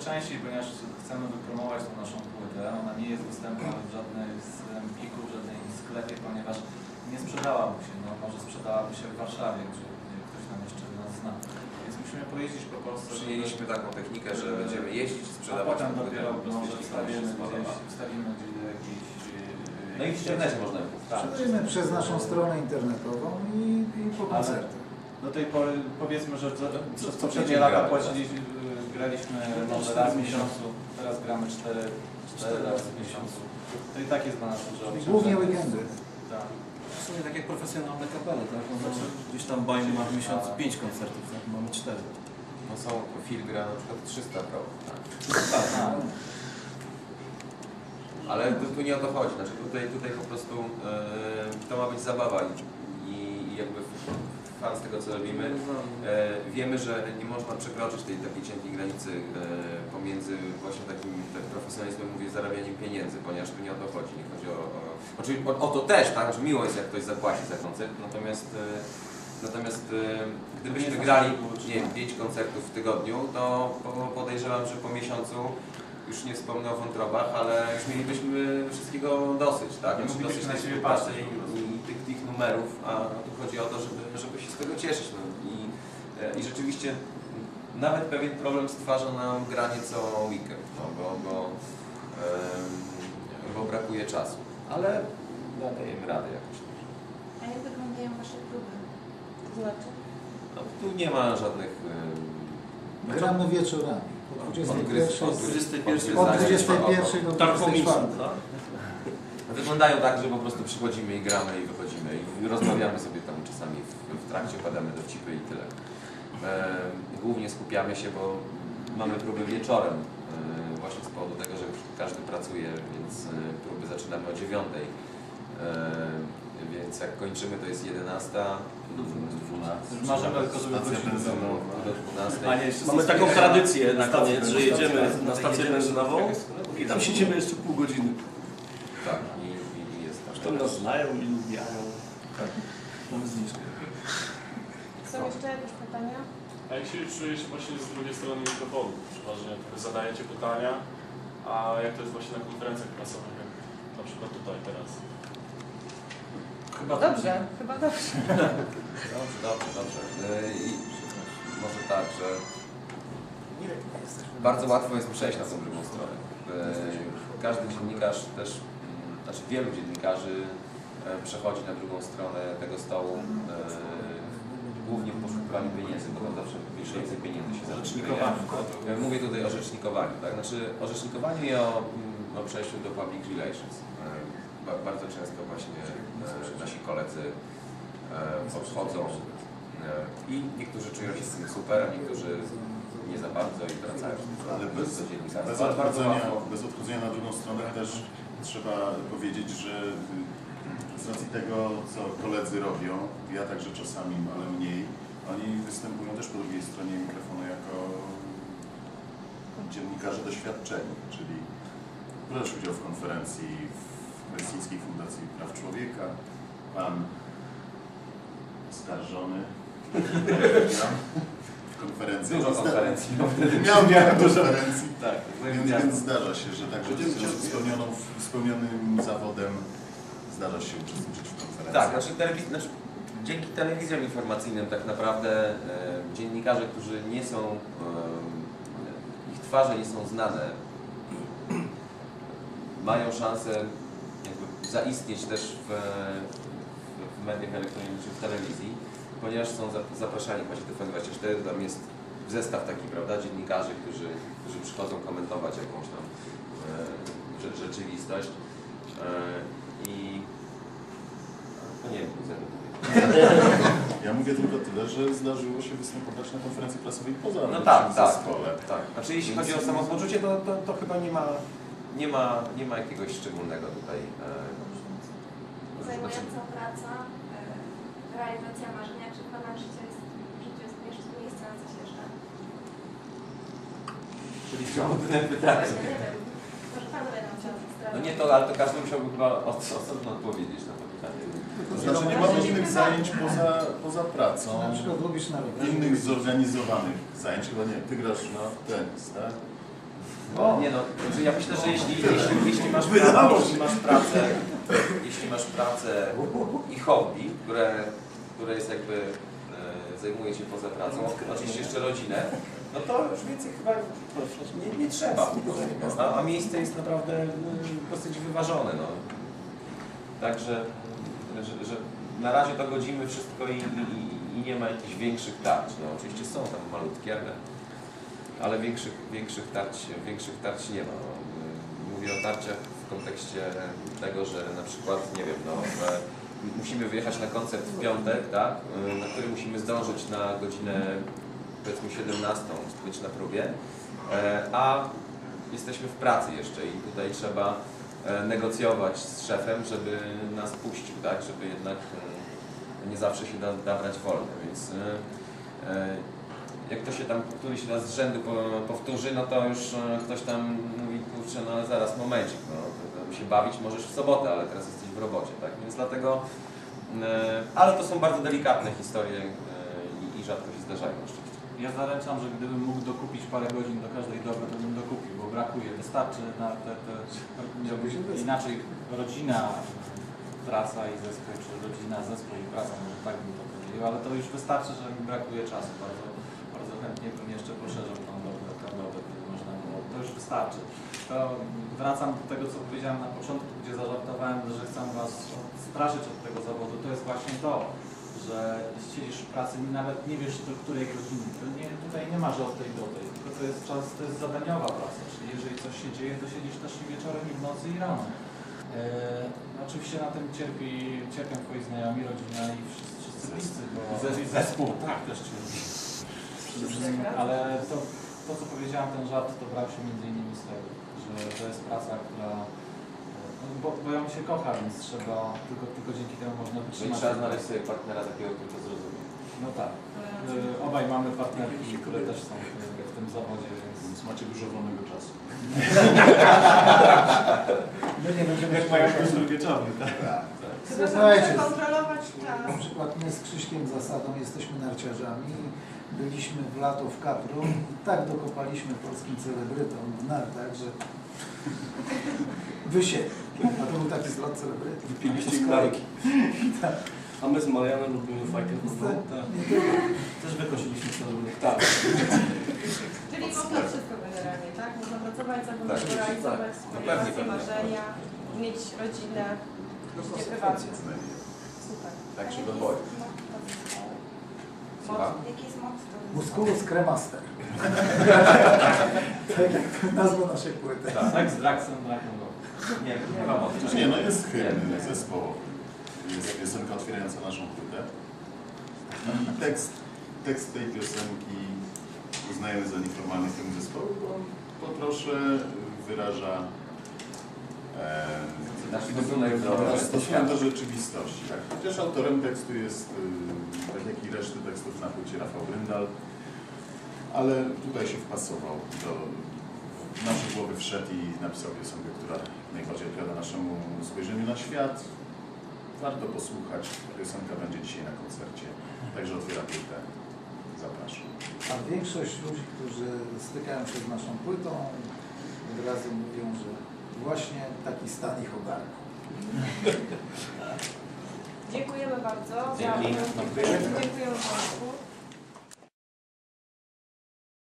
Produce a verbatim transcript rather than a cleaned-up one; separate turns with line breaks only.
częściej, ponieważ chcemy wypromować tą naszą płytę. Ona nie jest dostępna w żadnej z Empiku, w żadnej sklepie, ponieważ nie sprzedałaby się. No, może sprzedałaby się w Warszawie, gdzie ktoś tam jeszcze nas zna. Więc musimy pojeździć po Polsce.
Przyjęliśmy taką technikę, że będziemy jeździć, sprzedawać.
A potem dopiero może wstawimy gdzieś, wstawimy gdzieś do jakiejś...
No i w internecie można ją
Sprzedajemy przez naszą stronę internetową i, i po koncertach.
Do tej pory powiedzmy, że przez poprzednie lata płaciliśmy, graliśmy może raz w miesiącu, teraz gramy cztery, cztery razy w miesiącu. To i tak jest dla nas dużo.
Głównie weekendy.
Tak.
W sumie tak jak profesjonalne kapele, tak? No, znaczy, gdzieś tam Bajmy ma w miesiącu pięć koncertów, tak? Mamy cztery.
No są, Phil gra na przykład trzysta pro. Tak.
Tak.
Ale tu, tu nie o to chodzi, znaczy tutaj, tutaj po prostu yy, to ma być zabawa i, i jakby fan z tego co robimy. Yy, wiemy, że nie można przekroczyć tej takiej cienkiej granicy yy, pomiędzy właśnie takim tak profesjonalizmem, mówię, zarabianiem pieniędzy, ponieważ tu nie o to chodzi, nie chodzi o... o oczywiście o, o to też, tak, że miło jest jak ktoś zapłaci za koncert, natomiast yy, natomiast yy, gdybyśmy grali, nie wiem, pięć koncertów w tygodniu, to podejrzewam, że po miesiącu już nie wspomnę o wątrobach, ale już mielibyśmy wszystkiego dosyć, tak? Znaczy, dosyć tej współpracy i, i tych, tych numerów, a tu chodzi o to, żeby, żeby się z tego cieszyć. No. I, I rzeczywiście nawet pewien problem stwarza nam granie co weekend, no, bo, bo, um, bo brakuje czasu, ale dajemy radę jakoś.
A jak wyglądają Wasze próby? To znaczy?
No, tu nie ma żadnych... Um,
Gramy wieczorami. Od dwudziestej pierwszej
od
dwudziestej pierwszej do dwudziestej czwartej.
Wyglądają tak, że po prostu przychodzimy i gramy i wychodzimy i rozmawiamy sobie tam czasami w, w trakcie, padamy dowcipy i tyle. E, głównie skupiamy się, bo mamy próby wieczorem, e, właśnie z powodu tego, że już każdy pracuje, więc e, próby zaczynamy o dziewiątej. E, więc jak kończymy, to jest jedenasta.
Możemy tylko sobie
do dwunastej.
Mamy taką tradycję na koniec, że jedziemy na stację benzynową i tam siedzimy jeszcze pół godziny.
Tak, i, i jest tak.
Zresztą nas znają i lubiają. Tak. Mamy zniżkę.
Są jeszcze jakieś pytania?
A jak się czujecie właśnie z drugiej strony mikrofonu? Przeważnie wy zadajecie pytania, a jak to jest właśnie na konferencjach prasowych, jak na przykład tutaj teraz?
Chyba
Dobrze, chyba dobrze.
Dobrze, dobrze, dobrze. I może tak, że bardzo łatwo jest przejść na tą drugą stronę. Każdy dziennikarz też, znaczy wielu dziennikarzy przechodzi na drugą stronę tego stołu głównie w poszukiwaniu pieniędzy, bo tam zawsze więcej pieniędzy się zaczyna. Mówię tutaj o rzecznikowaniu, tak? Znaczy o rzecznikowaniu i o, o przejściu do public relations. Bardzo często właśnie nasi koledzy odchodzą i niektórzy czują się z tym super, a niektórzy nie za bardzo i wracają
ale bez,
do dziennikarstwa.
bez, odchodzenia, bez odchodzenia na drugą stronę też trzeba powiedzieć, że z racji tego, co koledzy robią, ja także czasami, ale mniej, oni występują też po drugiej stronie mikrofonu jako dziennikarze doświadczeni, czyli brać udział w konferencji w Helsińskiej Fundacji Praw Człowieka, pan skarżony w konferencji.
Dużo konferencji.
Miał miał konferencji.
Tak,
więc, więc zdarza się, że także z spełnioną, spełnionym zawodem zdarza się uczestniczyć w konferencji.
Tak, znaczy, telewiz znaczy dzięki telewizjom informacyjnym tak naprawdę e, dziennikarze, którzy nie są, e, ich twarze nie są znane, mają szansę jakby zaistnieć też w, w mediach elektronicznych, w telewizji, ponieważ są zapraszani właśnie do F N dwadzieścia cztery, tam jest zestaw taki, prawda, dziennikarzy, którzy, którzy przychodzą komentować jakąś tam e, rzeczywistość e, i no nie wiem, co ja mówię.
Ja mówię tylko tyle, że zdarzyło się występować na konferencji prasowej poza
no tak, tak,
zespole.
tak. Znaczy jeśli chodzi o samopoczucie, to, to, to chyba nie ma, nie ma, nie ma jakiegoś szczególnego tutaj. E,
Zajmująca praca, e, realizacja marzenia, czy Pana życie jest, życie jest jeszcze miejsce na coś jeszcze?
Czyli trudne pytanie.
Właśnie nie wiem, może Pan będą chciał
No nie to, ale to każdy musiałby chyba osobno odpowiedzieć na to pytanie.
To znaczy nie mamy innych zajęć poza, poza pracą,
Na przykład lubisz na
innych zorganizowanych zajęć, chyba nie, ty grasz na tenis, tak?
O.
Nie no, znaczy ja myślę, że jeśli, jeśli, jeśli, masz, pracę, jeśli masz pracę, jeśli masz pracę i hobby, które, które jest jakby e, zajmuje się poza pracą, oczywiście jeszcze rodzinę, no to już więcej chyba nie, nie trzeba. A, a miejsce jest naprawdę e, dosyć wyważone. No. Także, że, że na razie to godzimy wszystko i, i, i nie ma jakichś większych tarć. No, oczywiście są tam malutkie, ale, ale większych, większych, tarć, większych tarć nie ma. No. Mówię o tarciach w kontekście tego, że na przykład, nie wiem, no, musimy wyjechać na koncert w piątek, tak, na który musimy zdążyć na godzinę powiedzmy siedemnastą, być na próbie, a jesteśmy w pracy jeszcze i tutaj trzeba negocjować z szefem, żeby nas puścił, tak, żeby jednak nie zawsze się da, da brać wolne, więc jak to się tam któryś raz z rzędu powtórzy, no to już ktoś tam mówi, kurczę, no ale zaraz, momencik, no, się bawić możesz w sobotę, ale teraz jesteś w robocie, tak, więc dlatego, ale to są bardzo delikatne historie i, i rzadko się zdarzają na szczęście.
Ja zaręczam, że gdybym mógł dokupić parę godzin do każdej doby, to bym dokupił, bo brakuje. Wystarczy na te, te inaczej rodzina, praca i zespół, czy rodzina, zespół i praca, może tak bym to powiedział, ale to już wystarczy, że mi brakuje czasu. Bardzo, bardzo chętnie bym jeszcze poszerzył tą dobę, tą dobę, gdyby można było. To już wystarczy. To wracam do tego, co powiedziałem na początku, gdzie zażartowałem, że chcę Was straszyć od tego zawodu. To jest właśnie to, że siedzisz w pracy i nawet nie wiesz do której godziny. To nie, tutaj nie ma, że od tej do tej, tylko to jest czas, to jest zadaniowa praca, czyli jeżeli coś się dzieje, to siedzisz też i wieczorem, i w nocy, i rano. Eee, oczywiście na tym cierpi, cierpią Twoi znajomi, rodzina i wszyscy, wszyscy bliscy, bo i zespół, tak, też cierpi. Ale to, to, co powiedziałem, ten żart, to brał się między innymi z tego, że to jest praca, która Bo, bo ją się kocha, więc trzeba, tylko, tylko dzięki temu można
Czyli
wytrzymać.
trzeba znaleźć sobie partnera takiego, który to zrozumie.
No tak. Y, obaj mamy partnerki, które też są w, w tym zawodzie, więc...
Więc macie dużo wolnego czasu.
My nie będziemy
Jak mają już wieczorny, tak?
Trzeba
Słuchajcie,
kontrolować czas.
na przykład my z Krzyśkiem Zasadą jesteśmy narciarzami. Byliśmy w lato w Capru i tak dokopaliśmy polskim celebrytom w nartach, że wysiedli. A to był taki zlot celebrytów.
Wypiliście narki.
Tak.
A my z Marianem lubimy fajkę futbol.
Tak. Też wykosiliśmy celebrytów.
Tak.
Czyli można wszystko generalnie, tak? Można pracować, zawodowo
Tak,
realizować
tak.
swoje
No pewnie,
pasje,
pewnie.
marzenia, mieć rodzinę, życie prywatne. Super.
Tak się
A
dowodzi.
jaki jest motto zespołu?
Słucham?
Motto- Jaki jest motto zespołu?
Musculus cremaster. Tak jak nazwa naszej płyty.
Tak, z Draxem, Draxem.
Nie, nie ma mowy.
Znaczy nie, no jest hymn zespołowy. Jest piosenka otwierająca naszą płytę. I tekst, tekst tej piosenki uznajemy za nieformalny hymn zespołu, bo on po trosze wyraża e,
Nasz stosunek do
nasz stosunek do
świata.
rzeczywistości. Tak? Chociaż autorem tekstu jest, y, tak jak i reszty tekstów na płycie, Rafał Bryndal, ale tutaj się wpasował do w nasze głowy, wszedł i napisał piosenkę, która najbardziej odpowiada naszemu spojrzeniu na świat. Warto posłuchać. Piosenka będzie dzisiaj na koncercie, także otwiera płytę. Zapraszam.
A większość ludzi, którzy stykają się z naszą płytą, od razu mówią, że właśnie taki stan ich ogarnął.
Dziękujemy bardzo.
Dzięki.
Za- Dziękujemy Państwu.